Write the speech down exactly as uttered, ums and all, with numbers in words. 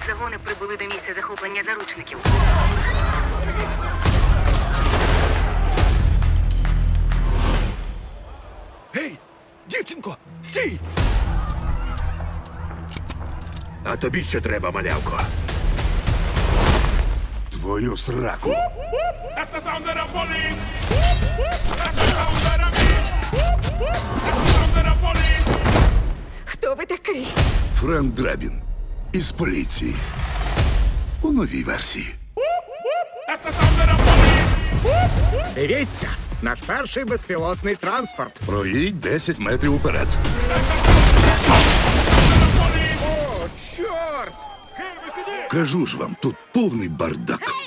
Загони прибули до місця захоплення заручників. Гей, дівчинко, стій! А тобі що треба, малявко? Твою сраку. That's the sound of the police. That's the sound of the beast. That's the sound of the police. Хто ви такий? Френк Драбін із поліції. У новій версії. That's the sound of the police. Дивіться, наш перший безпілотний транспорт. Проїдь десять метрів уперед. О, чорт! Кажу ж вам, тут повний бардак.